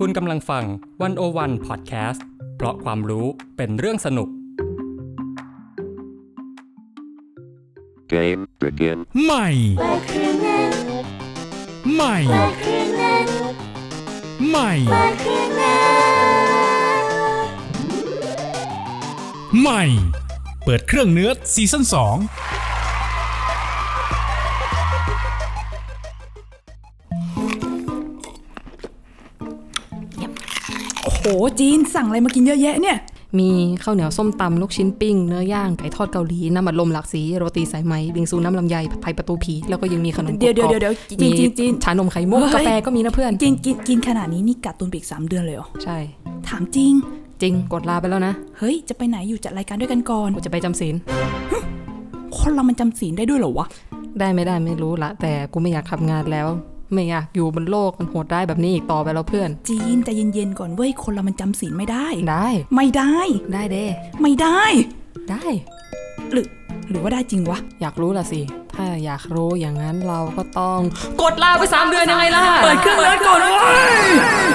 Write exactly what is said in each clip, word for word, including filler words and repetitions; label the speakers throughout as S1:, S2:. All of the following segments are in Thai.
S1: คุณกำลังฟังหนึ่งศูนย์หนึ่ง Podcast เพราะความรู้เป็นเรื่องสนุก
S2: Game begin
S3: ใหม่ใหม่ใหม่ใหม่เปิดเครื่องเนื้อซีซั่นสอง
S4: โอ้โหจีนสั่งอะไรมากินเยอะแยะเนี่ย
S5: มีข้าวเหนียวส้มตำลูกชิ้นปิ้งเนื้อย่างไก่ทอดเกาหลีน้ำอัดลมหลากสีโรตีสายไหมบิงซูน้ำลำไยผัดไทยประตูผีแล้วก็ยังมีขนมกรอบ
S4: เดี๋ยวเดี๋ยวเดี๋ยวจีนจีนจีน
S5: ชานมไข่มุกกาแฟก็มีนะเพื่อน
S4: จีนกินกินขนาดนี้นี่กัดตุนไปอีกสามเดือนเลยเหรอ
S5: ใช่
S4: ถามจริง
S5: จริงกดลาไปแล้วนะ
S4: เฮ้ยจะไปไหนอยู่จัดรายการด้วยกันก่อน
S5: กูจะไปจำศีล
S4: คนเรามันจำศีลได้ด้วยเหรอวะ
S5: ได้ไม่ได้ไม่รู้ละแต่กูไม่อยากทำงานแล้วไม่อยากอยู่บนโลกมันโหดได้แบบนี้อีกต่อไปแล้วเพื่อน
S4: จีนใจเย็นๆก่อนเว้ยคนเรามันจำศีลไม่ได้
S5: ได้
S4: ไม่ได้
S5: ได้เด้
S4: ไม่ได้
S5: ได้
S4: หรือหรือว่าได้จริงวะ
S5: อยากรู้ล่ะสิถ้าอยากรู้อย่างนั้นเราก็ต้องกดลาไปสามเดือนยังไงล่ะ
S4: เปิดเครื่องแล้วก่อนเว้ย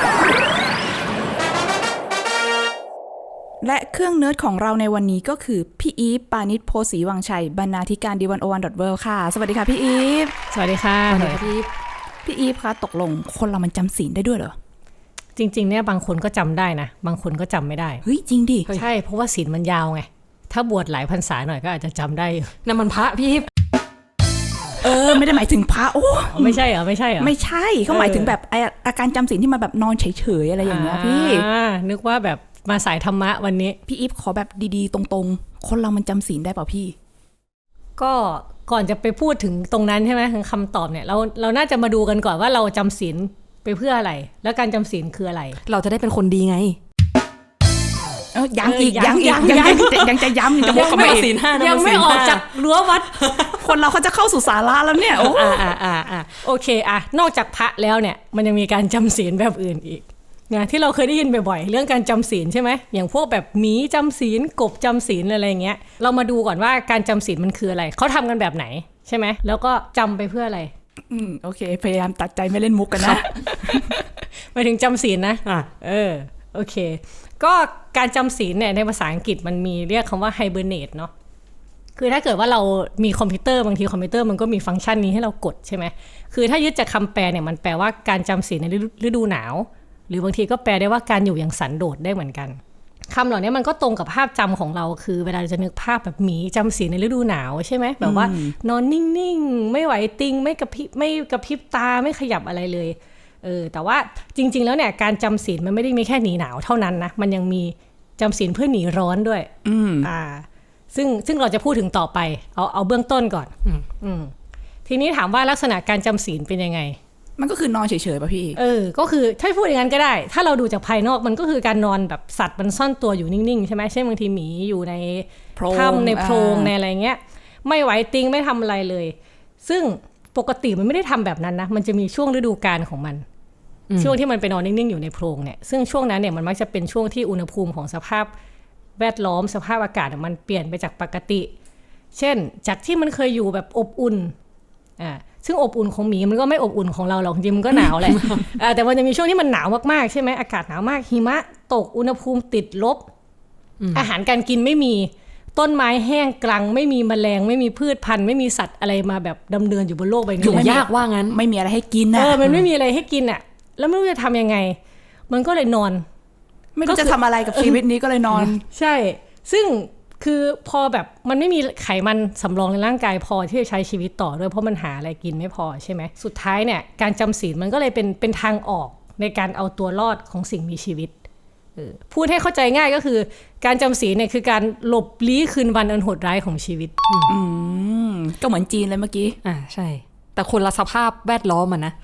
S4: และเครื่องเนิร์ดของเราในวันนี้ก็คือพี่อีฟปานิชโพสีวังชัยบรรณาธิการ ดี หนึ่งศูนย์หนึ่ง ดอท เวิลด์ ค่ะสวัสดีค่ะพี่อีฟ
S6: สวัสดีค่ะ
S5: สวัสดีค่ะพี่อีฟ
S4: พี่อีฟคะตกลงคนเรามันจำศีลได้ด้วยเหรอ
S6: จริงๆเนี่ยบางคนก็จำได้นะบางคนก็จำไม่ได้
S4: เฮ้ยจริงดิ
S6: ใช่เพราะว่าศีลมันยาวไงถ้าบวชหลายพรรษาหน่อยก็อาจจะจำได้
S5: นั่นมันพระพี่อีฟ
S4: เออไม่ได้หมายถึงพระโอ้
S6: ไม่ใช่เหรอไม่ใช่เหรอ
S4: ไม่ใช่เขาหมายถึงแบบอาการจำศีลที่มาแบบนอนเฉยๆอะไรอย่างเงี้ยพี่
S6: นึกว่าแบบมาสายธรรมะวันนี้
S4: พี่อีฟขอแบบดีๆตรงๆคนเรามันจำศีลได้เปล่าพี่
S6: ก็ก่อนจะไปพูดถึงตรงนั้นใช่ไหมถึงคำตอบเนี่ยเราเราน่าจะมาดูกันก่อนว่าเราจำศีลไปเพื่ออะไรแล้วการจำศีลคืออะไร
S5: เราจะได้เป็นคนดีไง
S4: เออยังอีกยังอีกยังยังจะย้ำจะบอกกับไม่
S6: ศีลห้ายังไม่ออกจากรั้ววัด
S4: คนเราเขาจะเข้าสู่ศาลาแล้วเนี่ยโอ้
S6: อ่าอ่าอ่าโอเคอ่ะนอกจากพระแล้วเนี่ยมันยังมีการจำศีลแบบอื่นอีกนะที่เราเคยได้ยินบ่อยๆเรื่องการจำศีลใช่ไหมอย่างพวกแบบหมีจำศีลกบจำศีลอะไรเงี้ยเรามาดูก่อนว่าการจำศีลมันคืออะไรเขาทำกันแบบไหนใช่ไหมแล้วก็จำไปเพื่ออะไร
S4: อืมโอเคพยายามตัดใจไม่เล่นมุกกันนะ
S6: หมายถึงจำศีลนะอ่ะเออโอเคก็การจำศีลเนี่ยในภาษาอังกฤษมันมีเรียกคำว่า hibernate เนาะคือถ้าเกิดว่าเรามีคอมพิวเตอร์บางทีคอมพิวเตอร์มันก็มีฟังก์ชันนี้ให้เรากดใช่ไหมคือถ้ายึดจากคำแปลเนี่ยมันแปลว่าการจำศีลในฤดูหนาวหรือบางทีก็แปลได้ว่าการอยู่อย่างสันโดษได้เหมือนกันคำเหล่านี้มันก็ตรงกับภาพจำของเราคือเวลาเราจะนึกภาพแบบหมีจำศีลในฤดูหนาวใช่ไหมแบบว่านอนนิ่งๆไม่ไหวติงไม่กระพริบไม่กระพริบตาไม่ขยับอะไรเลยเออแต่ว่าจริงๆแล้วเนี่ยการจำศีลมันไม่ได้มีแค่หนีหนาวเท่านั้นนะมันยังมีจำศีลเพื่อหนีร้อนด้วย
S4: อืม
S6: อ่าซึ่งซึ่งเราจะพูดถึงต่อไปเอาเอาเบื้องต้นก่อนอืมอืมทีนี้ถามว่าลักษณะการจำศีลเป็นยังไง
S4: มันก็คือนอนเฉยๆป่ะพี่
S6: เออก็คือถ้าพูดอย่างนั้นก็ได้ถ้าเราดูจากภายนอกมันก็คือการนอนแบบสัตว์มันซ่อนตัวอยู่นิ่งๆใช่ไหมเช่นบางทีหมีอยู่ในถ้ำในโพรงในอะไรเงี้ยไม่ไหวติงไม่ทำอะไรเลยซึ่งปกติมันไม่ได้ทำแบบนั้นนะมันจะมีช่วงฤดูกาลของมันช่วงที่มันไปนอนนิ่งๆอยู่ในโพรงเนี่ยซึ่งช่วงนั้นเนี่ยมันมักจะเป็นช่วงที่อุณหภูมิของสภาพแวดล้อมสภาพอากาศมันเปลี่ยนไปจากปกติเช่นจากที่มันเคยอยู่แบบอบอุ่นอ่าซึ่งอบอุ่นของหมีมันก็ไม่อบอุ่นของเราหรอกจริงมันก็หนาวแหละ แต่มันจะมีช่วงที่มันหนาวมากๆใช่ไหมอากาศหนาวมากหิมะตกอุณหภูมิติดลบ อาหารการกินไม่มีต้นไม้แห้งกรังไม่มีแมลงไม่มีพืชพันธุ์ไม่มีสัตว์อะไรมาแบบดำเนินอยู่บนโลกใบนี้
S5: อยู่ยากว่างั้น
S4: ไม่มีอะไรให้กินนะ
S6: เออมันไม่มีอะไรให้กินอ่ะแล้วไม่รู้จะทำยังไงมันก็เลยนอน
S4: ไม่รู้จะทำอะไรกับชีวิตนี้ก็เลยนอน
S6: ใช่ซึ่งคือพอแบบมันไม่มีไขมันสำรองในร่างกายพอที่จะใช้ชีวิตต่อด้วยเพราะมันหาอะไรกินไม่พอใช่ไหมสุดท้ายเนี่ยการจำศีลมันก็เลยเป็นเป็นทางออกในการเอาตัวรอดของสิ่งมีชีวิตพูดให้เข้าใจง่ายก็คือการจำศีลเนี่ยคือการหลบลี้คืนวันอันโหดร้ายของชีวิต
S4: อืมก็เหมือนจีนเลยเมื่อกี้
S5: อ่าใช่แต่คนละสภาพแวดล้อมมันนะ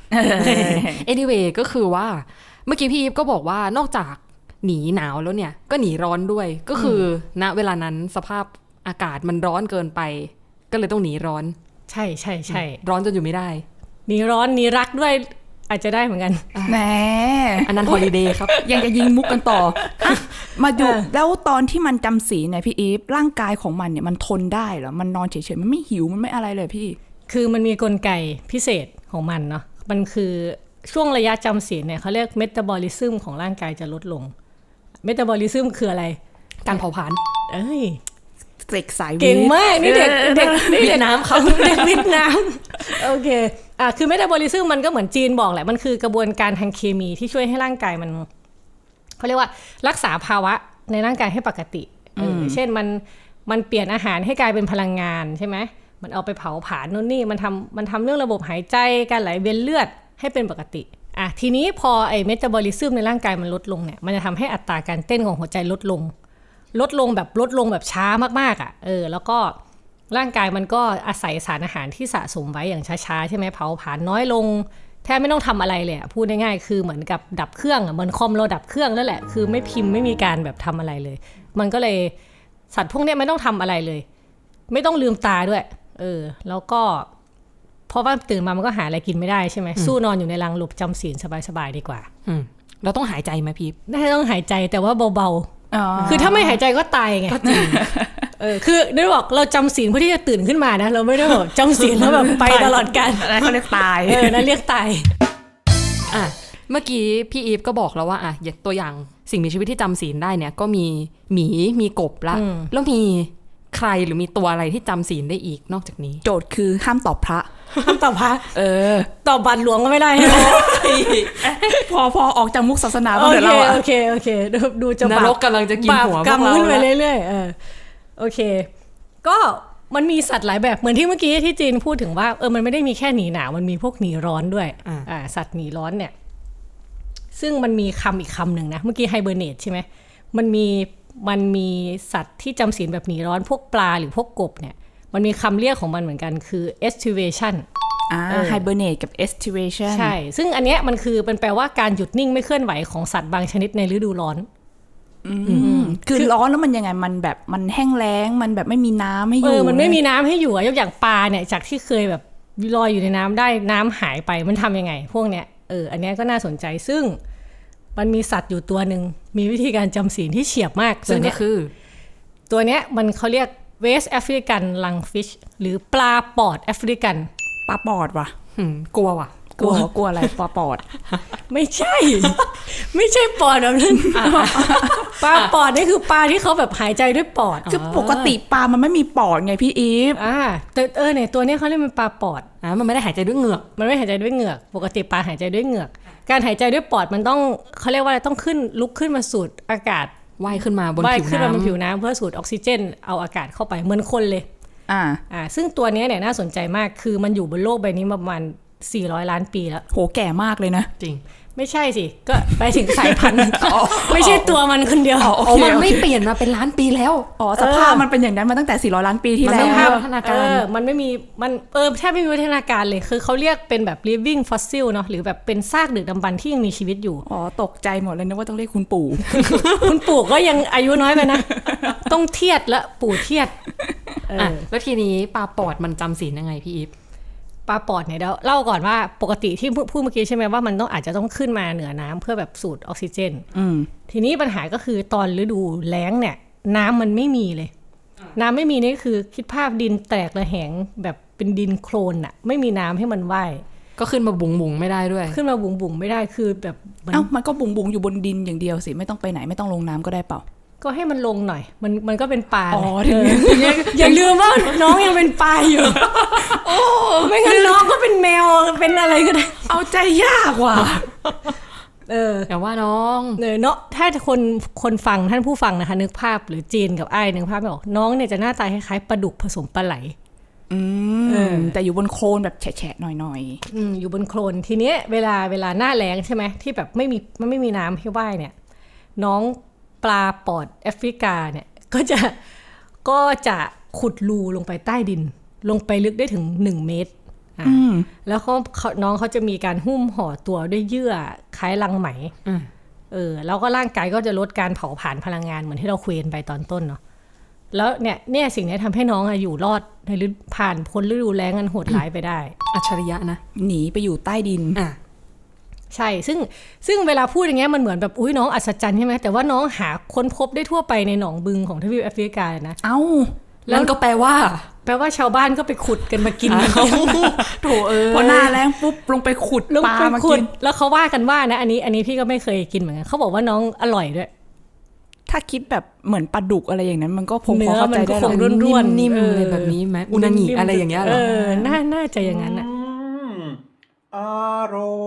S5: anyway ก็คือว่าเมื่อกี้พี่อีฟก็บอกว่านอกจากหนีหนาวแล้วเนี่ยก็หนีร้อนด้วยก็คือณเวลานั้นสภาพอากาศมันร้อนเกินไปก็เลยต้องหนีร้อน
S6: ใช่ใช่ใช่
S5: ร้อนจนอยู่ไม่ได้
S6: หนีร้อนหนีรักด้วยอาจจะได้เหมือนกัน
S4: แหม
S5: อันนั้นฮอลิเดย์ครับ
S4: ยังจะยิงมุกกันต่อมาดูแล้วตอนที่มันจำศีลเนี่ยพี่อีฟร่างกายของมันเนี่ยมันทนได้เหรอมันนอนเฉยๆมันไม่หิวมันไม่อะไรเลยพี่
S6: คือมันมีกลไกพิเศษของมันเนาะมันคือช่วงระยะจำศีลเนี่ยเขาเรียกเมตาบอลิซึมของร่างกายจะลดลงเมตาบอลิซึมคืออะไร
S5: การเผาผลาญ
S6: เอ้ย
S4: เด็กสายวิทย์
S6: เก่งมากนี่เด็กเด็กนี่เด็กน้ำเขาเด็กวิทย์น้ำโอเคอ่ะคือเมตาบอลิซึมมันก็เหมือนจีนบอกแหละมันคือกระบวนการทางเคมีที่ช่วยให้ร่างกายมันเขาเรียกว่ารักษาภาวะในร่างกายให้ปกติเออเช่นมันมันเปลี่ยนอาหารให้กลายเป็นพลังงานใช่ไหมมันเอาไปเผาผลาญนู่นนี่มันทำมันทำเรื่องระบบหายใจการไหลเวียนเลือดให้เป็นปกติอ่ะทีนี้พอไอ้เมตาบอลิซึมในร่างกายมันลดลงเนี่ยมันจะทำให้อัตราการเต้นของหัวใจลดลงลดลงแบบลดลงแบบช้ามากๆอ่ะเออแล้วก็ร่างกายมันก็อาศัยสารอาหารที่สะสมไว้อย่างช้าๆใช่ไหมเผาผลาญน้อยลงแทบไม่ต้องทำอะไรเลยพูดง่ายๆคือเหมือนกับดับเครื่องอ่ะเหมือนคอมเราดับเครื่องนั่นแหละคือไม่พิมพ์ไม่มีการแบบทำอะไรเลยมันก็เลยสัตว์พวกนี้ไม่ต้องทำอะไรเลยไม่ต้องลืมตาด้วยเออแล้วก็เพราะว่าตื่นมามันก็หาอะไรกินไม่ได้ใช่ไหมสู้นอนอยู่ในรังหลบจำศีลสบายๆดีกว่า
S5: อืมเราต้องหายใจไหมพีฟ
S6: ได้ต้องหายใจแต่ว่าเบาๆคือถ้าไม่หายใจก็ตายไงก็จริงเออคือได้บอกเราจำศีลเพื่อที่จะตื่นขึ้นมานะเราไม่ได้บอกจำศีลแล้วแบบไปตลอดกาล
S4: อะไรเขาเรียกตาย
S6: เออนั่นเรียกตาย
S5: อ่ะเมื่อกี้พี่อีฟก็บอกแล้วว่าอ่ะตัวอย่างสิ่งมีชีวิตที่จำศีลได้เนี่ยก็มีหมีมีกบละแล้วมีใครหรือมีตัวอะไรที่จำศีลได้อีกนอกจากนี้
S4: โจทย์คือห้ามตอบพระ
S6: ห้ามตอบพระ
S4: เออ
S6: ตอบบัตรหลวงก็ไม่ได้
S4: พอพอออกจากมุกศาสนาบ้างเดี๋ยวเรา
S6: โอเคโอเคดูจะ
S5: นรกกำลังจะกินหัวพวกเรา
S6: กำขึ้นไปเรื่อยๆเออโอเคก็มันมีสัตว์หลายแบบเหมือนที่เมื่อกี้ที่จีนพูดถึงว่าเออมันไม่ได้มีแค่หนีหนาวมันมีพวกหนีร้อนด้วยอ่าสัตว์หนีร้อนเนี่ยซึ่งมันมีคำอีกคำหนึ่งนะเมื่อกี้ไฮเบอร์เนตใช่ไหมมันมีมันมีสัตว์ที่จำศีลแบบหนีร้อนพวกปลาหรือพวกกบเนี่ยมันมีคำเรียกของมันเหมือนกันคือ estivation
S4: อ่า hibernate กับ estivation
S6: ใช่ซึ่งอันเนี้ยมันคือเป็นแปลว่าการหยุดนิ่งไม่เคลื่อนไหวของสัตว์บางชนิดในฤดูร้อน
S4: คือร้อนแล้วมันยังไงมันแบบมันแห้งแล้งมันแบบไม่มีน้ำให้อยู่
S6: เออมันไม่มีน้ำให้อยู่ยกอย่างปลาเนี่ยจากที่เคยแบบลอยอยู่ในน้ำได้น้ำหายไปมันทำยังไงพวกเนี้ยเอออันเนี้ยก็น่าสนใจซึ่งมันมีสัตว์อยู่ตัวหนึ่งมีวิธีการจำศีลที่เฉียบมาก
S5: ซึ่งก็คือ
S6: ตัวเนี้ยมันเขาเรียก West African Lungfish หรือปลาปอดแอฟริกัน
S4: ปลาปอดว่ะ
S5: กลัวว่ะ
S4: กลัวกลัวอะไรปลาปอด
S6: ไม่ใช่ไม่ใช่ปอดแบบนั้นปลาปอดนี่คือปลาที่เขาแบบหายใจด้วยปอด
S4: คือปกติปลามันไม่มีปอดไงพี่อีฟ
S6: อ่าแต่เออเนี่ยตัวนี้เขาเรียกมันปลาปอด
S5: อ่ามันไม่ได้หายใจด้วยเหงือก
S6: มันไม่หายใจด้วยเหงือกปกติปลาหายใจด้วยเหงือกการหายใจด้วยปอดมันต้องเขาเรียกว่าอะไรต้องขึ้นลุกขึ้นมาสูดอากาศ
S5: ว่ายขึ้นมาบนผิวน้ำ
S6: ว่ายขึ้นมาบนผิวน้ำเพื่อสูดออกซิเจนเอาอากาศเข้าไปเหมือนคนเลย
S4: อ่า
S6: อ่าซึ่งตัวนี้เนี่ยน่าสนใจมากคือมันอยู่บนโลกใบนี้ประมาณสี่ร้อยล้านปีแล้ว
S4: โหแก่มากเลยนะ
S5: จริง
S6: ไม่ใช่สิก็ไปถึงสายพันธุ์ไม่ใช่ตัวมันคนเดียว
S5: อ๋อมันไม่เปลี่ยนมาเป็นล้านปีแล้ว
S4: อ๋อสภาพมันเป็นอย่างนั้นมาตั้งแต่สี่ร้อยล้านปีที่แล้ว
S6: มันไม่มีพัฒนาการมันไม่มีมันเออแทบไม่มีพัฒนาการเลยคือเขาเรียกเป็นแบบ living fossil เนาะหรือแบบเป็นซากดึกดำบรรพ์ที่ยังมีชีวิตอยู่
S4: อ๋อตกใจหมดเลยนึกว่าต้องเรียกคุณปู่
S6: คุณปู่ก็ยังอายุน้อยไปนะต้องเทียดและปู่เทียด
S5: อ่ะแล้วทีนี้ปลาปอดมันจำศีลยังไงพี่อีฟ
S6: ปลาปอดเนี่ยเดี๋ยวเล่าก่อนว่าปกติที่พูดเมื่อกี้ใช่ไหมว่ามันต้องอาจจะต้องขึ้นมาเหนือน้ำเพื่อแบบสูดออกซิเจนทีนี้ปัญหาก็คือตอนฤดูแล้งเนี่ยน้ำมันไม่มีเลยน้ำไม่มีนี่คือคิดภาพดินแตกระแหงแบบเป็นดินโคลนอะไม่มีน้ำให้มันว่าย
S5: ก็ขึ้นมาบุ๋งบุ๋งไม่ได้ด้วย
S6: ขึ้นมาบุ๋งบุ๋งไม่ได้คือแบบ
S4: เอ้ามันก็บุ๋งบุ๋งอยู่บนดินอย่างเดียวสิไม่ต้องไปไหนไม่ต้องลงน้ำก็ได้เปล่า
S6: ก็ให้มันลงหน่อยมันมันก็เป็นปลาอ๋ออย่าลืมว่าน้องยังเป็นปลาอยู่โอ้ไม่งั้นน้องก็เป็นแมวเป็นอะไรก็ได้
S4: เอาใจยากว่ะ
S6: เออ
S5: แต่ว่าน้อง
S6: เนาะถ้าคนคนฟังท่านผู้ฟังนะคะนึกภาพหรือจีนกับไอ้นึกภาพไม่ออกน้องเนี่ยจะหน้าตาคล้ายๆปลาดุกผสมปลาไหล
S4: อืมแต่อยู่บนโคลนแบบแฉะๆหน่อย
S6: ๆอืมอยู่บนโคลนทีเนี้ยเวลาเวลาหน้าแล้งใช่ไหมที่แบบไม่มีมันไม่มีน้ำให้ว่ายเนี่ยน้องปลาปอดแอฟริกาเนี่ยก็จะก็จะขุดรูลงไปใต้ดินลงไปลึกได้ถึงหนึ่งเมตรอ่าแล้วเขาน้องเขาจะมีการหุ้มห่อตัวด้วยเยื่อคล้ายรังไหมเออแล้วก็ร่างกายก็จะลดการเผาผลาญพลังงานเหมือนที่เราคุยกันไปตอนต้นเนาะแล้วเนี่ยเนี่ยสิ่งนี้ทำให้น้องอยู่รอดในฤดูผ่านพ้นฤดูแล้งอันโหดร้ายไปได้
S5: อัจฉริยะนะ
S4: หนีไปอยู่ใต้ดิน
S6: อ่ะใช่ซึ่งซึ่งเวลาพูดอย่างเงี้ยมันเหมือนแบบอุ้ยน้องอัศจรรย์ใช่ไหมแต่ว่าน้องหาค้นพบได้ทั่วไปในหนองบึงของทวีปแอฟริกาเลยนะ
S4: เอ้า
S5: นั่นก็แปลว่า
S6: แปลว่าชาวบ้านก็ไปขุดกันมากิน
S5: โถเออ
S4: พอหน้าแล้งปุ๊บลงไปขุด
S6: ลง
S4: ปลา
S6: ไป
S4: มา
S6: ขุ
S4: กิ
S6: ด
S4: น
S6: แล้วเขาว่ากันว่านะอันนี้อันนี้พี่ก็ไม่เคยกินเหมือนกันเขาบอกว่าน้องอร่อยด้วย
S4: ถ้าคิดแบบเหมือนปลาดุกอะไรอย่างนั้นมันก็ผมพ
S6: เนื้
S4: อ
S6: อ
S4: เข้า
S6: มั
S4: ใจ
S6: นก็
S4: ได้
S6: ค
S4: หรอง
S6: ร่วน
S5: นิ่ม
S6: เอ
S5: ๆ
S6: อ
S5: อะไรแบบนี้ไหมอุนางิอะไรอย่างเงี้ยเหร
S6: เอ
S5: อ
S6: อน่าน่าจะอย่างนั้นอ่ะ
S2: อร่อย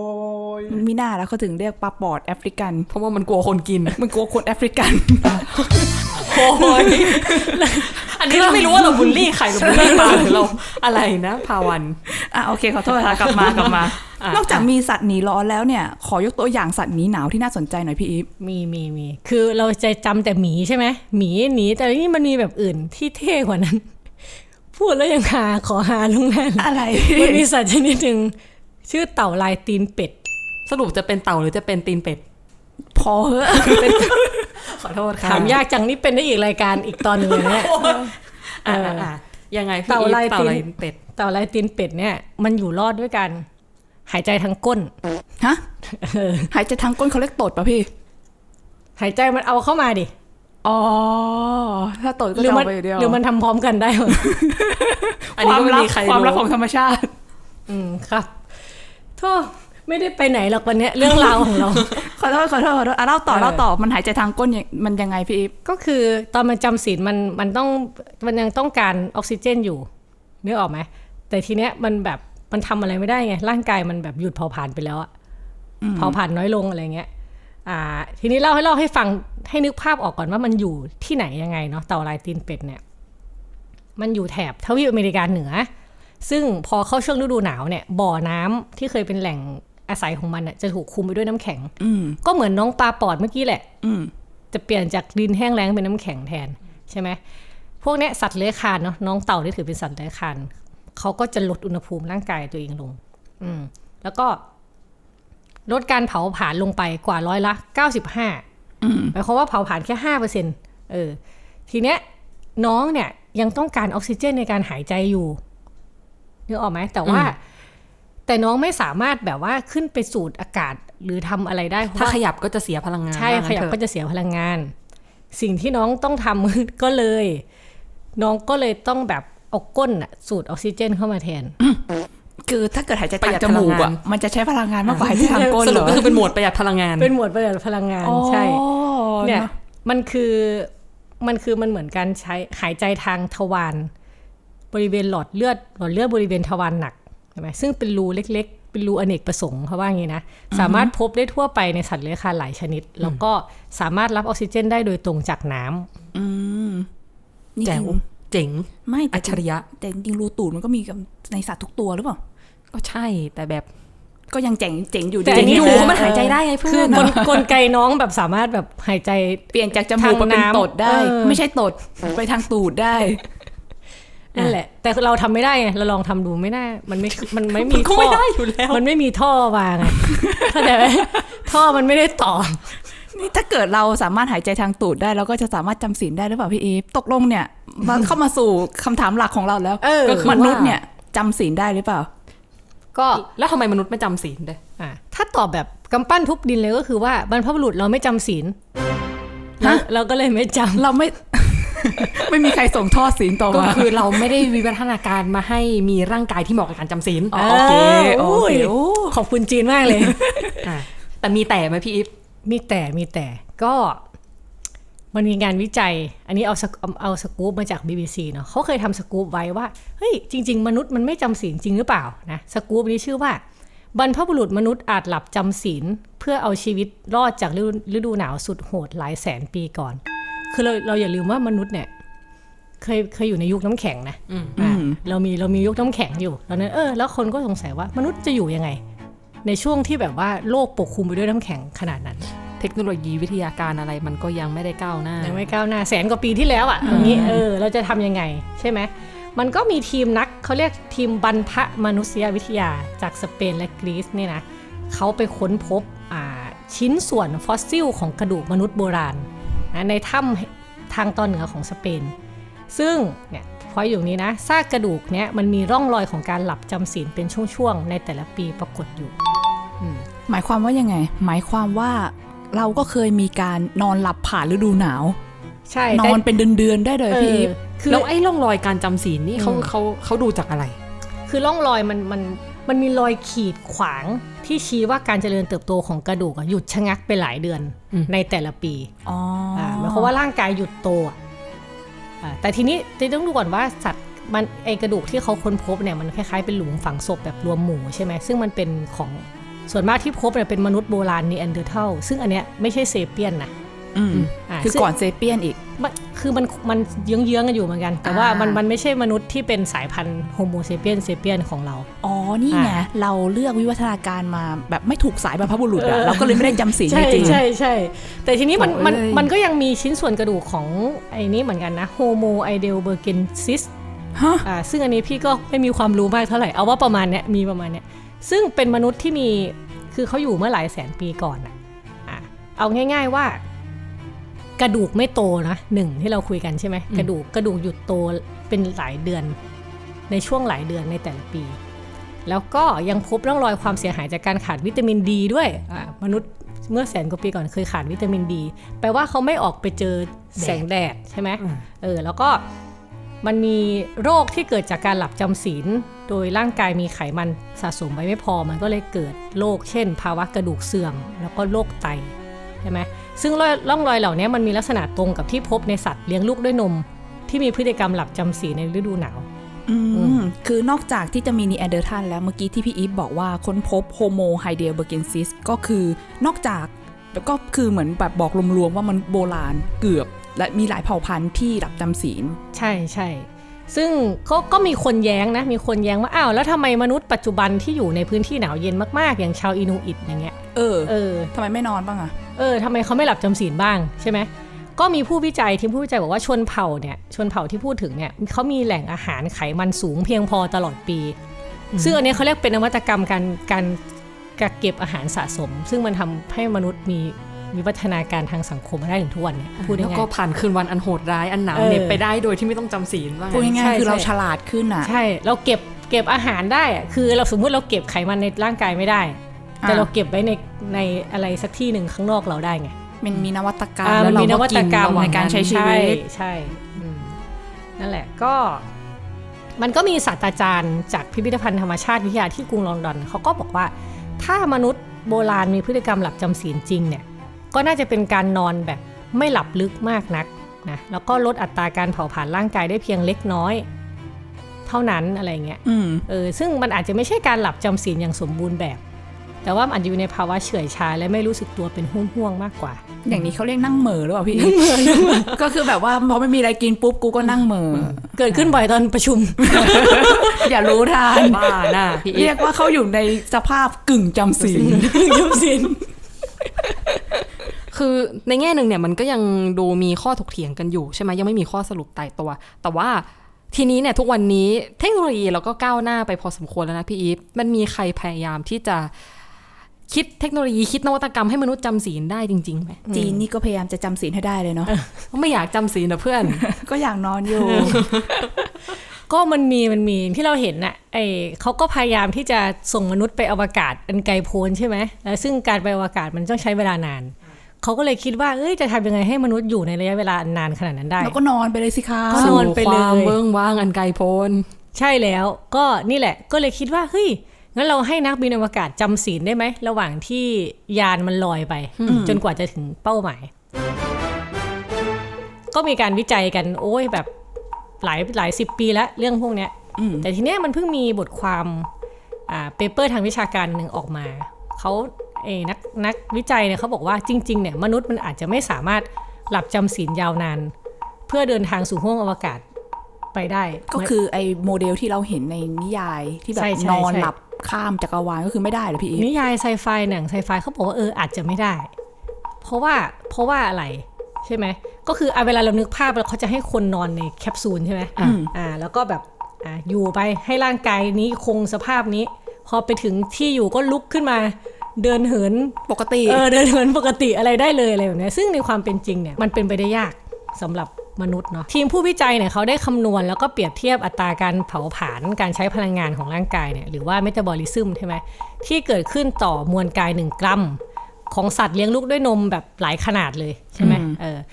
S4: มีหน้าแล้วเขาถึงเรียกปลาปอดแอฟริกัน
S5: เพราะว่ามันกลัวคนกิน
S4: มันกลัวคนแอฟริกัน
S5: โอ้ยอันนี้เราไม่รู้ว่าเราบูลลี่ใครหรือบูลลี่ปลาหรือเราอะไรนะพาวัน
S4: อ่ะโอเคขอโทษค่ะกลับมากลับมา
S5: อ่ะ
S4: นอกจากมีสัตว์หนีร้อนแล้วเนี่ยขอยกตัวอย่างสัตว์หนีหนาวที่น่าสนใจหน่อยพี่อีฟ
S6: มีมีมีคือเราจะจำแต่หมีใช่ไหมหมีหนีแต่นี่มันมีแบบอื่นที่เท่กว่านั้น พูดแล้วยังหาขอหาลงนั่น
S4: อะไร
S6: มันมีสัตว์ชนิดหนึ่งชื่อเต่าลายตีนเป็ด
S5: สรุปจะเป็นเต่าหรือจะเป็นตีนเป็ด
S4: พอเหอะ
S5: ขอโทษค่ะ
S6: ถามยากจังนี่เป็นได้อีกรายการอีกตอนหนึ่งเลยเนี่ย
S5: อ่ะอ่ะยังไงพี่
S6: เต่าลาย
S5: เต่า
S6: ตีน
S5: ลายเป็ด
S6: เต่าลายตีนเป็ดเนี่ยมันอยู่รอดด้วยกันหายใจทางก้น
S4: ฮะหายใจทางก้นเขาเรียกตดป่ะพี่
S6: หายใจมันเอาเข้ามาดิ
S4: อ๋อถ้าตดก็
S6: หรือ
S4: จะ
S6: มัน
S4: เอาไปอย่างเดียว
S6: หรือมันทำพร้อมกันได้หมด
S5: อันนี้ก็ไม่มีใคร
S4: ความลับ
S5: รู้
S4: ของธรรมชาติ
S6: อืมครับโทษไม่ได้ไปไหนหรอกวันเนี้ยเรื่องราวของเรา
S4: ขอโทษขอโทษขอโทษอ่ะเล่าต่อเล่าต่อมันหายใจทางก้นยังมันยังไงพี่อีฟ
S6: ก็คือตอนมันจำศีลมันมันต้องมันยังต้องการออกซิเจนอยู่นึกออกไหมแต่ทีเนี้ยมันแบบมันทำอะไรไม่ได้ไงร่างกายมันแบบหยุดเผาผลาญไปแล้วอะเผาผลาญน้อยลงอะไรเงี้ยอ่าทีนี้เล่าให้เล่าให้ฟังให้นึกภาพออกก่อนว่ามันอยู่ที่ไหนยังไงเนาะเต่าลายตีนเป็ดเนี่ยมันอยู่แถบทวีปอเมริกาเหนือซึ่งพอเข้าช่วงฤดูหนาวเนี่ยบ่อน้ำที่เคยเป็นแหล่งอาศัยของมันน่ะจะถูกคุมไปด้วยน้ำแข็ง
S4: อืม
S6: ก็เหมือนน้องปลาปอดเมื่อกี้แหละ
S4: อืม
S6: จะเปลี่ยนจากดินแห้งแล้งเป็นน้ำแข็งแทนใช่ไหมพวกเนี้ยสัตว์เลื้อยคลานเนาะน้องเต่าที่ถือเป็นสัตว์เลื้อยคลานเขาก็จะลดอุณหภูมิร่างกายตัวเองลง อืมแล้วก็ลดการเผาผลาญลงไปกว่าร้อยละเก้าสิบห้าหมายความว่าเผาผลาญแค่ห้าเปอร์เซ็นต์เออทีเนี้ยน้องเนี่ยยังต้องการออกซิเจนในการหายใจอยู่นึกออกไหมแต่ว่า แต่น้องไม่สามารถแบบว่าขึ้นไปสูดอากาศหรือทำอะไรได้เพราะ
S5: ถ้า
S6: ว่า
S5: ขยับก็จะเสียพลังงาน
S6: ใช่
S5: ว่า
S6: ข
S5: งั้น
S6: ยับ
S5: เถอะ
S6: ก็จะเสียพลังงาน สิ่งที่น้องต้องทำ ก็เลย น้องก็เลยต้องแบบเอาก้นอะสูดออกซิเจนเข้ามาแทน
S4: คือถ้าเกิดหายใจทางจมูกอ่ะมันจะใช้พลังงานมากกว่าหายใจทางก้น
S5: ส
S4: เห
S5: รุ
S4: ร
S5: ป
S4: อ
S5: ก็คือเป็นโหมดประหยัดพลังงาน
S6: เป็นหมวดประหยัดพลังงาน
S4: อ๋อ
S6: ใช่เนี่ย
S4: เนอะ
S6: มันคือมันคือมันเหมือนการใช้หายใจทางทวารบริเวณหลอดเลือดหลอดเลือดบริเวณทวารหนักใช่ไหมซึ่งเป็นรูเล็กๆเป็นรูอเนกประสงค์เขาว่าอย่างนี้นะสามารถพบได้ทั่วไปในสัตว์เลื้อยคลานหลายชนิด แล้วก็สามารถรับออกซิเจนได้โดยตรงจากน้ำ
S4: อืมนี่
S5: แจ๋ว
S4: จริง
S5: เจ๋ง
S4: ไม่แต่
S5: อัจฉริยะ
S4: แต่จริงๆรูตูดมันก็มีกับในสัตว์ทุกตัวหรือเปล่า
S5: ก็ใช่แต่แบบ
S4: ก็ยังเจ๋งเจ๋งอยู่
S6: แต่
S4: ดี
S6: อันนี้
S5: อยู่
S6: คือ
S5: เพราะมันหายใจได้ไงเพื่
S6: คือ
S5: อน
S6: กลกลไกน้องแบบสามารถแบบหายใจ
S4: เปลี่ยนจากจมูกมาเป็น
S6: ทางน้ำ
S4: ตดได้
S6: เออ
S4: ไม่ใช่ตดไปทางตูดได้
S6: นั่นแหละ แต่เราทำไม่ได้ไงเราลองทำดูไม่น่ามันไม่มันไม่มี
S5: ก็
S6: ท่อ
S5: ไม่ได้อยู่แล้ว
S6: มันไม่มีท่อวางไงเข้าใจไหมท่อมันไม่ได้ต่อ
S4: นี่ถ้าเกิดเราสามารถหายใจทางตูดได้เราก็จะสามารถจำศีลได้หรือเปล่าพี่อีฟตกลงเนี่ยมาเข้ามาสู่คำถามหลักของเราแล้ว
S6: เออ
S4: ก็คือมนุษย์เนี่ยจำศีลได้หรือเปล่า
S6: ก็
S5: แล้วทำไมมนุษย์ไม่จำศีลด้วย
S6: อ่ะถ้าตอบแบบกำปั้นทุบดินเลยก็คือว่าบรรพบุรุษเราไม่จำศีล
S4: ฮะ
S6: เราก็เลยไม่จำ
S4: เราไม่ ไม่มีใครส่งทอดศีลต่อ
S5: ก็
S4: มา
S5: คือเราไม่ได้วิวัฒนาการมาให้มีร่างกายที่เหมาะกับการจำศีล
S4: อ๋อโอเคโอเค
S6: โอ้ยขอบคุณจีนมากเลย
S5: อ่ะแต่มีแต่ไหมพี่อิฟ
S6: มีแต่มีแต่ก็มันมีงานวิจัย อันนี้เอาสกเอาเอาสกู๊ปมาจาก บี บี ซี เนาะเขาเคยทำสกู๊ปไว้ว่าเฮ้ยจริง ๆ มนุษย์มันไม่จำศีลจริงหรือเปล่านะสกู๊ปนี้ชื่อว่าบรรพบุรุษมนุษย์อาจหลับจำศีลเพื่อเอาชีวิตรอดจากฤดูฤดูหนาวสุดโหดหลายแสนปีก่อน คือเราเราอย่าลืมว่ามนุษย์เนี่ยเคยเคยอยู่ในยุคน้ำแข็งนะอ่าเรามีเรามียุคน้ำแข็งอยู่ตอนนั้นเออแล้วคนก็สงสัยว่ามนุษย์จะอยู่ยังไง ในช่วงที่แบบว่าโลกปกคลุมไปด้วยน้ำแข็งขนาดนั้น
S5: เทคโนโลยีวิทยาการอะไรมันก็ยังไม่ได้ก้าวหน้า
S6: ยังไม่ก้าวหน้าแสนกว่าปีที่แล้วอ่ะตรงนี้เออเราจะทำยังไงใช่ไหมมันก็มีทีมนักเขาเรียกทีมบรรพมนุษยวิทยาจากสเปนและกรีซเนี่ยนะเขาไปค้นพบอ่าชิ้นส่วนฟอสซิลของกระดูกมนุษย์โบราณนะในถ้ำทางตอนเหนือของสเปนซึ่งเนี่ยพออยู่นี้นะซากกระดูกเนี่ยมันมีร่องรอยของการหลับจำศีลเป็นช่วงๆในแต่ละปีปรากฏอยู่
S4: หมายความว่ายังไง หมายความว่าเราก็เคยมีการนอนหลับผ่านฤดูหนาว
S6: ใช่
S4: นอนเป็นเดือนๆได้เลยพี่อีฟ
S6: คือ
S5: แล้วไอ้ร่องรอยการจำศีลนี่เขา
S6: อืม
S5: เขาเขาดูจากอะไร
S6: คือร่องรอยมันมันมันมีรอยขีดขวางที่ชี้ว่าการเจริญเติบโตของกระดูกหยุดชะงักไปหลายเดือน
S5: อืม
S6: ในแต่ละปี
S4: อ๋อ
S6: อ่าหมายความว่าร่างกายหยุดโตอ่ะอ่าแต่ทีนี้จะต้องดูก่อนว่าสัตว์มันไอกระดูกที่เขาค้นพบเนี่ยมันคล้ายๆเป็นหลุมฝังศพแบบรวมหมู่ใช่ไหมซึ่งมันเป็นของส่วนมากที่พบเนี่ยเป็นมนุษย์โบราณนีแอนเดอร์เทัลซึ่งอันเนี้ยไม่ใช่เซเปียนนะ
S4: อืม
S6: อ่า
S4: คือ
S6: ซึ่ง
S4: ก่อนเซเปียนอีก
S6: มันคือมันมันเยื้องๆกันอยู่เหมือนกัน แต่ว่า
S4: อ่ามั
S6: มันมันไม่ใช่มนุษย์ที่เป็นสายพันธุ์โฮโมเซเปียนเซเปียนของเรา
S4: อ๋อนี่ไง
S6: อ่า
S4: เราเลือกวิวัฒนาการมาแบบไม่ถูกสายบรรพบุรุษอะเราก็เลยไม่ได้จำศีล
S6: ใช่
S4: จริง
S6: ใช่ใช่แต่ทีนี้มันมัน
S4: โอ้ย
S6: มันก็ยังมีชิ้นส่วนกระดูกของไอ้นี้เหมือนกันนะโฮโมไอเดลเบอร์เกนซิส
S4: ฮะ
S6: อ่าซึ่งอันนี้พี่ก็ไม่มีความรู้มากเท่าไหร่เอาว่าประมาณเนี้ยมีประมาณเนี้ยซึ่งเป็นมนุษย์ที่มีคือเขาอยู่เมื่อหลายแสนปีก่อนอ่ะอ่าเอาง่ายๆว่ากระดูกไม่โตนะหนึ่งที่เราคุยกันใช่ไหมกระดูกกระดูกหยุดโตเป็นหลายเดือนในช่วงหลายเดือนในแต่ละปี แล้วก็ยังพบร่องรอยความเสียหายจากการขาดวิตามินดีด้วยอ่ามนุษย์เมื่อแสนกว่าปีก่อนเคยขาดวิตามินดีแปลว่าเขาไม่ออกไปเจอแสงแดดใช่ไหม
S5: อืม
S6: เออแล้วก็มันมีโรคที่เกิดจากการหลับจำศีลโดยร่างกายมีไขมันสะสมไว้ไม่พอมันก็เลยเกิดโรคเช่น ภาวะกระดูกเสื่อมแล้วก็โรคไตใช่ไหมซึ่งร่องรอยเหล่านี้มันมีลักษณะตรงกับที่พบในสัตว์เลี้ยงลูกด้วยนมที่มีพฤติกรรมหลับจำศีลในฤดูหนาว
S4: อืมคือนอกจากที่จะมีนีแอนเดอร์ทัลแล้วเมื่อกี้ที่พี่อีฟบอกว่าค้นพบโฮโมไฮเดลเบอร์เกนซิสก็คือนอกจากแล้วก็คือเหมือนแบบบอกรวมๆว่ามันโบราณเกือบและมีหลายเผ่าพันธุ์ที่หลับจำศีล
S6: ใช่ใช่ซึ่งก็ก็มีคนแย้งนะมีคนแย้งว่าอ้าวแล้วทำไมมนุษย์ปัจจุบันที่อยู่ในพื้นที่หนาวเย็นมากๆอย่างชาวอินูอิตอย่างเงี้ย
S4: เออ
S6: เออ
S4: ทำไมไม่นอนบ้างอะ
S6: เออทำไมเขาไม่หลับจำศีลบ้างใช่ไหมก็มีผู้วิจัยทีมผู้วิจัยบอกว่าชนเผ่าเนี่ยชนเผ่าที่พูดถึงเนี่ยเขามีแหล่งอาหารไขมันสูงเพียงพอตลอดปีซึ่งอันนี้เขาเรียกเป็นนวัตกรรมการการกักเก็บอาหารสะสม ซึ่งมันทำให้มนุษย์มีวิวัฒนาการทางสังคมมาได้ถึงทุกวันเนี่ยพูด
S5: แล้ว
S6: ง่าย
S5: ก็ผ่านคืนวันอันโหดร้ายอันหนาว
S6: เออ
S5: เหน็บไปได้โดยที่ไม่ต้องจำศีลว่า
S4: พูด
S5: งั้น
S4: ง่าย
S6: ใช่
S4: ๆคือเรา
S6: ใช่
S4: ฉลาดขึ้นอะ
S6: ใช่เราเก็บเก็บอาหารได้อะคือเราสมมุติเราเก็บไขมันในร่างกายไม่ได้ แต่เราเก็บไว้ในในอะไรสักที่หนึ่งข้างนอกเราได้ไง
S4: มันมีนวัตกรรม
S6: อ่า
S4: แล้วเรา
S6: มีน
S4: ก็
S6: วั
S4: กิ
S6: ต
S4: น
S6: กรรม
S4: ระหว่างการใช้ชีวิต
S6: ใช่ใช่อืมนั่นแหละก็มันก็มีศาสตราจารย์จากพิพิธภัณฑ์ธรรมชาติวิทยาที่กรุงลอนดอนเขาก็บอกว่าถ้ามนุษย์โบราณมีพฤติกรรมหลับจำศีลจริงเนี่ยก็น่าจะเป็นการนอนแบบไม่หลับลึกมากนักนะแล้วก็ลดอัตราการเผาผลาญร่างกายได้เพียงเล็กน้อยเท่านั้นอะไรเงี้ย
S4: อืม
S6: เออซึ่งมันอาจจะไม่ใช่การหลับจำศีลอย่างสมบูรณ์แบบ แต่ว่ามันอาจจะอยู่ในภาวะเฉื่อยชาและไม่รู้สึกตัวเป็นห่วงๆมากกว่า
S4: อย่างนี้เขาเรียกนั่งเหม่อหรือเปล่าพี่ ก็คือแบบว่าพอไม่มีอะไรกินปุ๊บกูก็นั่งเหม่อ
S6: เกิดขึ้นบ่อยตอนประชุม
S4: อย่ารู้ทาน
S5: บ้าน่ะพี่อี
S4: เรี
S5: ฟ
S4: ยกว่าเขาอยู่ในสภาพกึ่งจำศีล
S6: จำศีล
S5: คือในแง่หนึ่งเนี่ยมันก็ยังดูมีข้อถกเถียงกันอยู่ใช่ไหมยังไม่มีข้อสรุปตายตัว แต่ว่าทีนี้เนี่ยทุกวันนี้เทคโนโลยีเราก็ก้าวหน้าไปพอสมควรแล้วนะพี่อีฟมันมีใครพยายามที่จะคิดเทคโนโลยีคิดนวัตกรรมให้มนุษย์จำศีลได้จริงๆไหม
S4: จีนนี่ก็พยายามจะจำศีลให้ได้เลยเนาะ
S5: ไม่อยากจำศีลนะเพื่อน
S4: ก็อยากนอนอยู่
S6: ก็มันมีมันมีที่เราเห็นน่ะไอเขาก็พยายามที่จะส่งมนุษย์ไปอวกาศอันไกลโพ้นใช่ไหมแล้วซึ่งการไปอวกาศมันต้องใช้เวลานานเขาก็เลยคิดว่าเอ้ยจะทำยังไงให้มนุษย์อยู่ในระยะเวลานานขนาดนั้นได้
S4: แล้วก็นอนไปเลยสิคะ
S6: ก็นอนไปเลย
S5: สู่ความเบื้องว่างอันไกลโพ้น
S6: ใช่แล้วก็นี่แหละก็เลยคิดว่าเฮ้ยงั้นเราให้นักบินอวกาศจำศีลได้ไหมระหว่างที่ยานมันลอยไปจนกว่าจะถึงเป้าหมายก็มีการวิจัยกันโอ้ยแบบหลายหลายสิบปีแล้วเรื่องพวกเนี้ยแต่ทีเนี้ยมันเพิ่งมีบทความอ่าเปเปอร์ทางวิชาการหนึ่งออกมาเขาเอนักนักวิจัยเนี่ยเขาบอกว่าจริงๆเนี่ยมนุษย์มันอาจจะไม่สามารถหลับจำศีลยาวนานเพื่อเดินทางสู่ห้วงอวกาศไปได้
S4: ก็คือไอ้โมเดลที่เราเห็นในนิยายที่แบบ
S6: ใช่ใช่
S4: นอน
S6: ใช่
S4: หลับข้ามจักรวาลก็คือไม่ได้เหรอพี่อีฟ
S6: นิยายไซไฟหนังไซไฟเขาบอกว่าเอออาจจะไม่ได้เพราะว่าเพราะว่าอะไรใช่ไหมก็คือเอาเวลาเรานึกภาพแล้วเขาจะให้คนนอนในแคปซูลใช่ไหมอ่าแล้วก็แบบอ่าอยู่ไปให้ร่างกายนี้คงสภาพนี้พอไปถึงที่อยู่ก็ลุกขึ้นมาเดินเหิน
S4: ปกติ
S6: เออเดินเหินปกติอะไรได้เลยอะไรแบบนี้ซึ่งในความเป็นจริงเนี่ยมันเป็นไปได้ยากสำหรับมนุษย์เนาะทีมผู้วิจัยเนี่ยเขาได้คำนวณแล้วก็เปรียบเทียบอัตราการเผาผลาญการใช้พลังงานของร่างกายเนี่ยหรือว่าเมตาบอลิซึมใช่ไหมที่เกิดขึ้นต่อมวลกายหนึ่งกรัมของสัตว์เลี้ยงลูกด้วยนมแบบหลายขนาดเลยใช่ไหมเออ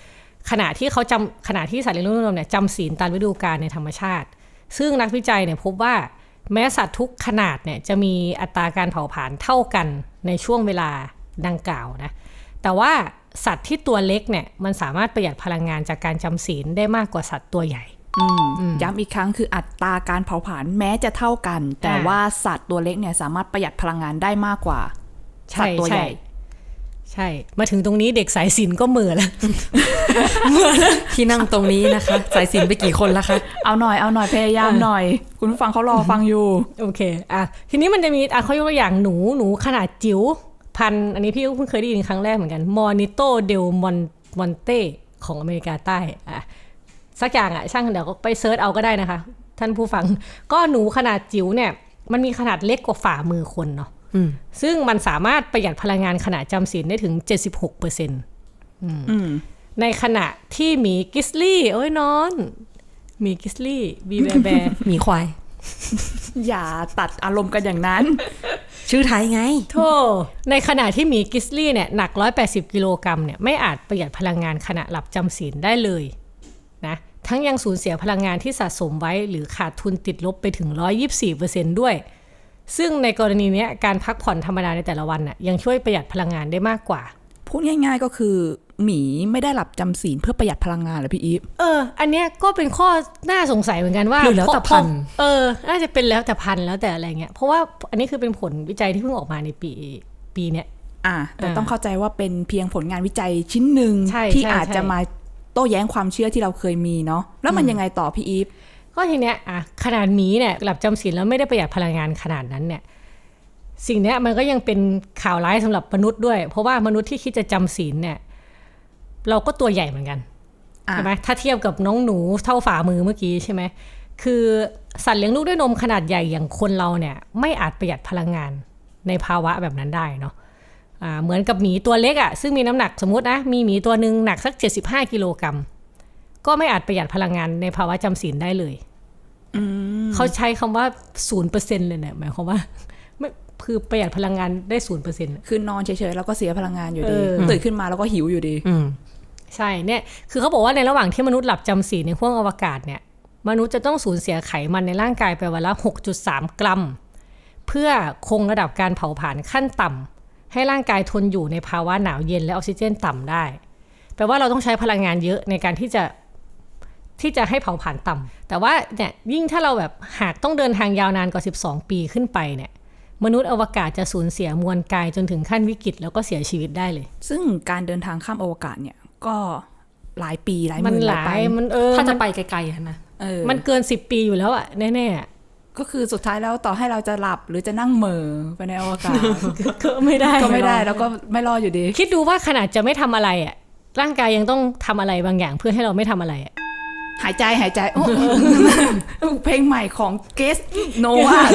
S6: ขณะที่เขาจำขณะที่สัตว์เลี้ยงลูกด้วยนมเนี่ยจำศีลตามฤดูกาลในธรรมชาติซึ่งนักวิจัยเนี่ยพบว่าแม้สัตว์ทุกขนาดเนี่ยจะมีอัตราการเผาผลาญเท่ากันในช่วงเวลาดังกล่าวนะแต่ว่าสัตว์ที่ตัวเล็กเนี่ยมันสามารถประหยัดพลังงานจากการจำศีลได้มากกว่าสัตว์ตัวใหญ่
S4: ย้ำอีกครั้งคืออัตราการเผาผลาญแม้จะเท่ากันแต่ว่าสัตว์ตัวเล็กเนี่ยสามารถประหยัดพลังงานได้มากกว่าสัตว์ตัวใหญ่
S6: ใช่มาถึงตรงนี้เด็กสายศิลป์ก็เหม่อแล้ว
S5: ที่นั่งตรงนี้นะคะสายศิลป์ไปกี่คนแล้วคะ
S4: เอาหน่อยเอาหน่อยพยายามหน่อยคุณผู้ฟังเขารอฟังอยู่
S6: โอเคอ่ะทีนี้มันจะมีอ่ะเขายกตัวอย่างหนูหนูขนาดจิ๋วพันอันนี้พี่ก็เพิ่งเคยได้ยินครั้งแรกเหมือนกันมอนิโตเดลมอนมอนเต้ของอเมริกาใต้อ่ะสักอย่างอ่ะช่างเดี๋ยวก็ไปเซิร์ชเอาก็ได้นะคะท่านผู้ฟังก็หนูขนาดจิ๋วเนี่ยมันมีขนาดเล็กกว่าฝ่ามือคนเนาะซึ่งมันสามารถประหยัดพลังงานขณะจำศีลได้ถึง เจ็ดสิบหกเปอร์เซ็นต์ อืมในขณะที่หมีกิสลี่โอ้ยนอนหมีกิสลี่บีแบแบ
S5: หมีควาย
S4: อย่าตัดอารมณ์กันอย่างนั้น
S5: ชื่อไทยไง
S6: โธ่ในขณะที่หมีกิสลี่เนี่ยหนักหนึ่งร้อยแปดสิบกิโลกรัมเนี่ยไม่อาจประหยัดพลังงานขณะหลับจำศีลได้เลยนะทั้งยังสูญเสียพลังงานที่สะสมไว้หรือขาดทุนติดลบไปถึง หนึ่งร้อยยี่สิบสี่เปอร์เซ็นต์ ด้วยซึ่งในกรณีนี้การพักผ่อนธรรมดาในแต่ละวันน่ะยังช่วยประหยัดพลังงานได้มากกว่า
S4: พูดง่ายๆก็คือหมีไม่ได้หลับจำศีลเพื่อประหยัดพลังงานเหรอพี่อีฟ
S6: เอออันเนี้ยก็เป็นข้อน่าสงสัยเหมือนกันว่า
S5: หรือแล้วแต่พัน
S6: เออน่าจะเป็นแล้วแต่พันแล้วแต่อะไรเงี้ยเพราะว่าอันนี้คือเป็นผลวิจัยที่เพิ่งออกมาในปีปีเนี้ย
S4: อ่าแต่ต้องเข้าใจว่าเป็นเพียงผลงานวิจัยชิ้นหนึ่งที่อาจจะมาโต้แย้งความเชื่อที่เราเคยมีเนาะแล้วมันยังไงต่อพี่อีฟ
S6: ก็ทีเนี้ยอ่ะขนาดหมีเนี่ยหลับจำศีลแล้วไม่ได้ประหยัดพลังงานขนาดนั้นเนี่ยสิ่งนี้มันก็ยังเป็นข่าวร้ายสำหรับมนุษย์ด้วยเพราะว่ามนุษย์ที่คิดจะจำศีลเนี่ยเราก็ตัวใหญ่เหมือนกันใช่ไหมถ้าเทียบกับน้องหนูเท่าฝ่ามือเมื่อกี้ใช่ไหมคือสัตว์เลี้ยงลูกด้วยนมขนาดใหญ่อย่างคนเราเนี่ยไม่อาจประหยัดพลังงานในภาวะแบบนั้นได้เนาะอ่าเหมือนกับหมีตัวเล็กอ่ะซึ่งมีน้ำหนักสมมตินะมีหมีตัวนึงหนักสักเจ็ดสิบห้ากิโลกรัมก็ไม่อาจประหยัดพลังงานในภาวะจำศีลได้เลยเขาใช้คำว่า ศูนย์เปอร์เซ็นต์ เลยเนี่ยหมายความว่าคือประหยัดพลังงานได้ ศูนย์เปอร์เซ็นต์
S4: คือนอนเฉยๆแล้วก็เสียพลังงานอยู่ดีตื่นขึ้นมาแล้วก็หิวอยู่ดี
S6: ใช่เนี่ยคือเขาบอกว่าในระหว่างที่มนุษย์หลับจำศีลในห้วงอวกาศเนี่ยมนุษย์จะต้องสูญเสียไขมันในร่างกายไปวันละ หกจุดสาม กรัมเพื่อคงระดับการเผาผลาญขั้นต่ำให้ร่างกายทนอยู่ในภาวะหนาวเย็นและออกซิเจนต่ำได้แปลว่าเราต้องใช้พลังงานเยอะในการที่จะที่จะให้เผาผลาญต่ำแต่ว่าเนี่ยยิ่งถ้าเราแบบหากต้องเดินทางยาวนานกว่าสิบสองปีขึ้นไปเนี่ยมนุษย์อวกาศจะสูญเสียมวลกายจนถึงขั้นวิกฤตแล้วก็เสียชีวิตได้เลย
S4: ซึ่งการเดินทางข้ามอวกาศเนี่ยก็หลายปีหลายหมื่นหลาย
S6: มันเออ
S5: ถ้าจะไปไกลๆนะ
S6: เออมันเกินสิบปีอยู่แล้วอ่ะแน่
S4: ๆก็คือสุดท้ายแล้วต่อให้เราจะหลับหรือจะนั่งเหม่อไปในอวกาศ
S6: ก็ไม่ได้
S4: ก็ไม่ได้แล้วก็ไม่รอดอยู่ดี
S6: คิดดูว่าขนาดจะไม่ทำอะไรอ่ะร่างกายยังต้องทำอะไรบางอย่างเพื่อให้เราไม่ทำอะไรอ่ะ
S4: หายใจหายใจโอ้เพลงใหม่ของเกสโนวา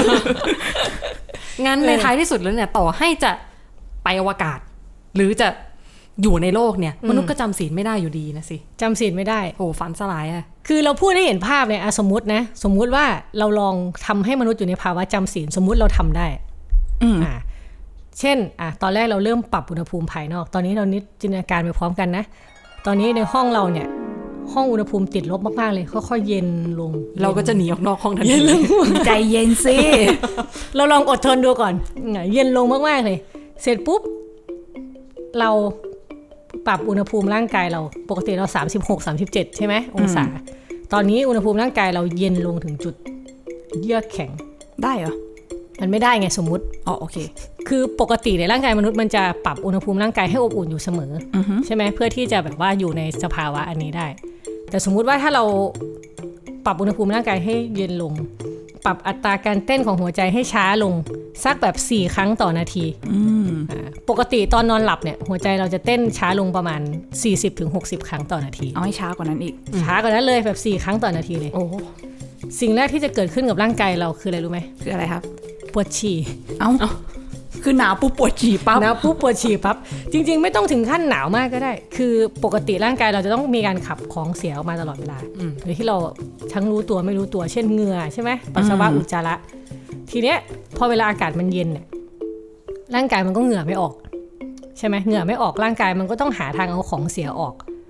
S5: งั้นในท้ายที่สุดแล้วเนี่ยต่อให้จะไปอวกาศหรือจะอยู่ในโลกเนี่ยมนุษย์ก็จำศีลไม่ได้อยู่ดีนะสิ
S6: จำศีลไม่ได้
S5: โอ้ฝันสลายอะ
S6: คือเราพูดให้เห็นภาพเนี่ยสมมตินะสมมุติว่าเราลองทำให้มนุษย์อยู่ในภาวะจำศีลสมมุติเราทำได้อ่าเช่นอ่ะตอนแรกเราเริ่มปรับอุณหภูมิภายนอกตอนนี้เรานิดจินตนาการไปพร้อมกันนะตอนนี้ในห้องเราเนี่ยห้องอุณหภูมิติดลบมากๆเลยค่อยๆเย็นลง
S5: เราก็จะหนีออกนอกห้องทันที
S4: ใจเย็นสิ
S6: เราลองอดทนดูก่อนเย็นลงมากๆเลยเสร็จปุ๊บเราปรับอุณหภูมิร่างกายเราปกติเราสามสิบหก สามสิบเจ็ดใช่ไหมองศาตอนนี้อุณหภูมิร่างกายเราเย็นลงถึงจุดเยือกแข็ง
S4: ได้เหรอ
S6: มันไม่ได้ไงสมมุติ
S4: อ๋อโอเค
S6: คือปกติในร่างกายมนุษย์มันจะปรับอุณหภูมิร่างกายให้อบอุ่นอยู่เสมอใช่ไหมเพื่อที่จะแบบว่าอยู่ในสภาวะอันนี้ได้แต่สมมุติว่าถ้าเราปรับอุณหภูมิร่างกายให้เย็นลงปรับอัตราการเต้นของหัวใจให้ช้าลงสักแบบสี่ครั้งต่อนาทีปกติตอนนอนหลับเนี่ยหัวใจเราจะเต้นช้าลงประมาณ สี่สิบถึงหกสิบ ครั้งต่อนาที
S4: เอาให้ช้ากว่านั้นอีก
S6: ช้ากว่านั้นเลยแบบสี่ครั้งต่อนาทีเลยโอ้สิ่งแรกที่จะเกิดขึ้นกับร่างกายเราคืออะไรรู้ไหม
S4: คืออะไรครับ
S6: ปวดฉี่
S4: เอ้าคือหนาวปุ๊บปวดฉี่ปั๊บ
S6: หนาวปุ๊บปวดฉี่ปั๊บจริงๆไม่ต้องถึงขั้นหนาวมากก็ได้คือปกติร่างกายเราจะต้องมีการขับของเสียออกมาตลอดเวลาโดยที่เราทั้งรู้ตัวไม่รู้ตัวเช่นเหงื่อใช่ไหมปัสสาวะอุจจาระทีเนี้ยพอเวลาอากาศมันเย็นเนี่ยร่างกายมันก็เหงื่อไม่ออกใช่ไหมเหงื่อไม่ออกร่างกายมันก็ต้องหาทางเอาของเสียออกพ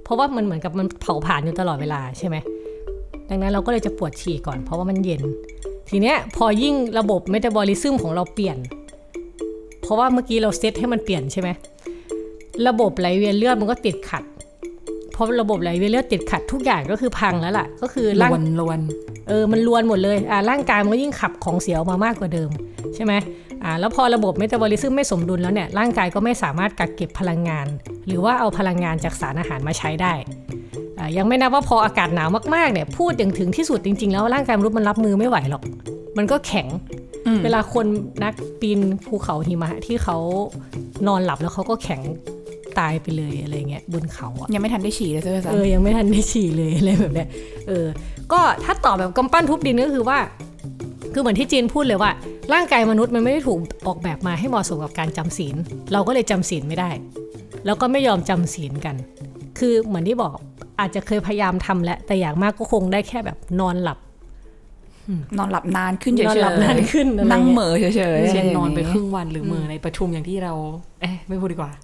S6: ราะว่ามันเหมือนกับมันเผาผลาญอยู่ตลอดเวลาใช่ไหมดังนั้นเราก็เลยจะปวดฉี่ก่อนเพราะว่ามันเย็นทีเนี้ยพอยิ่งระบบเมตาบอลิซึมของเราเปลี่ยนเพราะว่าเมื่อกี้เราเซตให้มันเปลี่ยนใช่ไหมระบบไหลเวียนเลือดมันก็ติดขัดเพราะระบบไหลเวียนเลือดติดขัดทุกอย่างก็คือพังแล้วล่ะก็คือ
S5: ล
S6: ร่าง
S5: วนลวน
S6: เออมันลวนหมดเลยอ่าร่างกายมันก็ยิ่งขับของเสียออกมามากกว่าเดิมใช่ไหมอ่าแล้วพอระบบเมตาบอลิซึมไม่สมดุลแล้วเนี่ยร่างกายก็ไม่สามารถกักเก็บพลังงานหรือว่าเอาพลังงานจากสารอาหารมาใช้ได้อ่ายังไม่นับว่าพออากาศหนาวมากๆเนี่ยพูดอย่างถึงที่สุดจริงๆแล้วร่างกายมนุษย์มันรับมือไม่ไหวหรอกมันก็แข็งเวลาคนนักปีนภูเขาหิมะที่เขานอนหลับแล้วเขาก็แข็งตายไปเลยอะไรเงี้ยบนเขาอ่ะ
S4: ยังไม่ทันได้ฉี่เลยใช่ไหมจ๊ะ
S6: เออยังไม่ทันได้ฉี่เลยอะไรแบบเนี้ยเออก็ถ้าตอบแบบกำปั้นทุบดินก็คือว่าคือเหมือนที่จีนพูดเลยว่าร่างกายมนุษย์มันไม่ได้ถูกออกแบบมาให้เหมาะสมกับการจำศีลเราก็เลยจำศีลไม่ได้แล้วก็ไม่ยอมจำศีลกันคือเหมือนที่บอกอาจจะเคยพยายามทำแล้วแต่อย่างมากก็คงได้แค่แบบนอนหลับ
S4: นอนหลับนานขึ้นเฉยๆ
S6: นอนหลับนานขึ้นอะไรเงี้ย
S4: นั่งเหม่อเฉยๆ
S5: เช่นนอนไปครึ่งวันหรือมือในประชุมอย่างที่เราเอ๊ะไม่พูดดีกว่า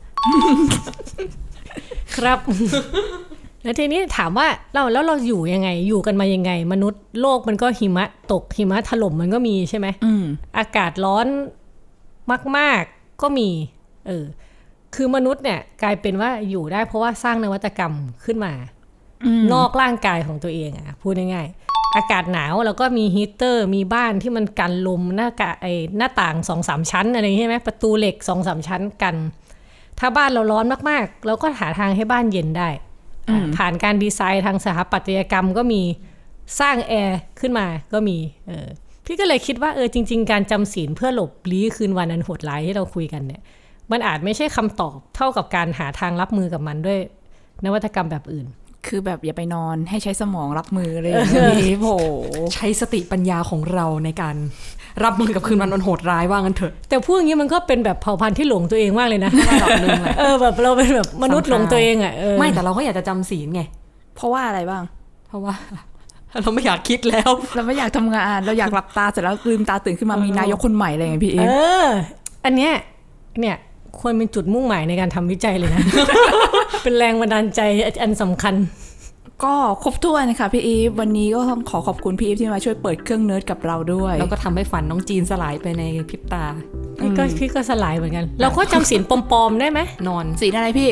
S6: ครับ แล้วทีนี้ถามว่าเราแล้วเราอยู่ยังไงอยู่กันมายังไงมนุษย์โลกมันก็หิมะตกหิมะถล่มมันก็มีใช่ไหม
S4: อืม
S6: อากาศร้อนมากๆก็มีเออคือมนุษย์เนี่ยกลายเป็นว่าอยู่ได้เพราะว่าสร้างนวัตกรรมขึ้นมา นอกร่างกายของตัวเองอ่ะพูดง่ายๆอากาศหนาวแล้วก็มีฮีตเตอร์มีบ้านที่มันกันลมหน้ากะไอหน้าต่าง สองสาม ชั้นอะไรใช่ไหมประตูเหล็ก สองสาม ชั้นกันถ้าบ้านเราร้อนมากๆเราก็หาทางให้บ้านเย็นได้ผ่านการดีไซน์ทางสถาปัตยกรรมก็มีสร้างแอร์ขึ้นมาก็มีเออพี่ก็เลยคิดว่าเออจริงๆการจำศีลเพื่อหลบลี้คืนวันอันโหดร้ายที่เราคุยกันเนี่ยมันอาจไม่ใช่คำตอบเท่ากับการหาทางรับมือกับมันด้วยนวัตกรรมแบบอื่น
S4: คือแบบอย่าไปนอนให้ใช้สมองรับมือเลยอย่างนี้โห
S5: ใช้สติปัญญาของเราในการรับมือกับคืนวันอันโหดร้ายว่างั้นเถอะ
S6: แต่พูดอย่างนี้มันก็เป็นแบบเผ่าพันธุ์ที่หลงตัวเองมากเลยนะ
S5: ระดับหนึ่งแหละ
S6: เออแบบเราเป็นแบบมนุษย์หลงตัวเองอ่ะเออ
S5: ไม่แต่เราก็อยากจะจำศีลไง
S4: เพราะว่าอะไรบ้าง
S5: เพราะว่า เราไม่อยากคิดแล้ว
S4: เราไม่อยากทำงานเราอยากหลับตาเสร็จแล้วลืมตาตื่นขึ้นมามีนายกคนใหม่อะไรอย่างเงี้ยพี่เอ
S6: เอออันเนี้ยเนี่ยควรเป็นจุดมุ่งหมายในการทำวิจัยเลยนะ เป็นแรงบันดาลใจอันสำคัญ
S4: ก็ครบถ้วนค่ะพี่อีฟวันนี้ก็ต้องขอขอบคุณพี่อีฟที่มาช่วยเปิดเครื่องเนิร์ดกับเราด้วย
S5: แล้วก็ทำให้ฝันน้องจีนสลายไปในพริบตา
S6: พี่ก็พี่ก็สลายเหมือนกัน เราก็จำศีลปลอมๆได้ไหม
S5: นอน
S4: สีอะไรพี่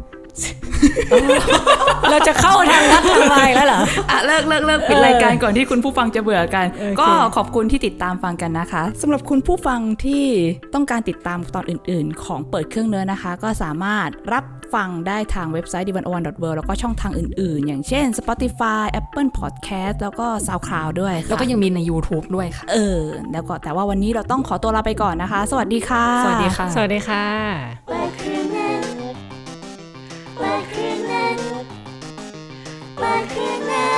S6: เราจะเข้าทางลัดทางลายแล้วเหรอ
S4: อ่ะเลิกเลิกเลิกปิดรายการก่อนที่คุณผู้ฟังจะเบื่อกัน
S6: โอเค
S4: ก็ขอบคุณที่ติดตามฟังกันนะคะสำหรับคุณผู้ฟังที่ต้องการติดตามตอนอื่นๆ ของเปิดเครื่องเนื้อนะคะ ก็สามารถรับฟังได้ทางเว็บไซต์ ดิ วัน โอ วัน ดอท เวิลด์ แล้วก็ช่องทางอื่นๆ อย่างเช่น Spotify Apple Podcast แล้วก็ SoundCloud ด้วยค่ะ
S5: แล้วก็ยังมีใน YouTube ด้วยค่ะ
S4: เออแล้วก็แต่ว่าวันนี้เราต้องขอตัวลาไปก่อนนะคะ สวัสดีค่ะ
S5: สวัสดีค่ะ
S6: สวัสดีค่ะ
S7: Black Criminal Black Criminal Black Criminal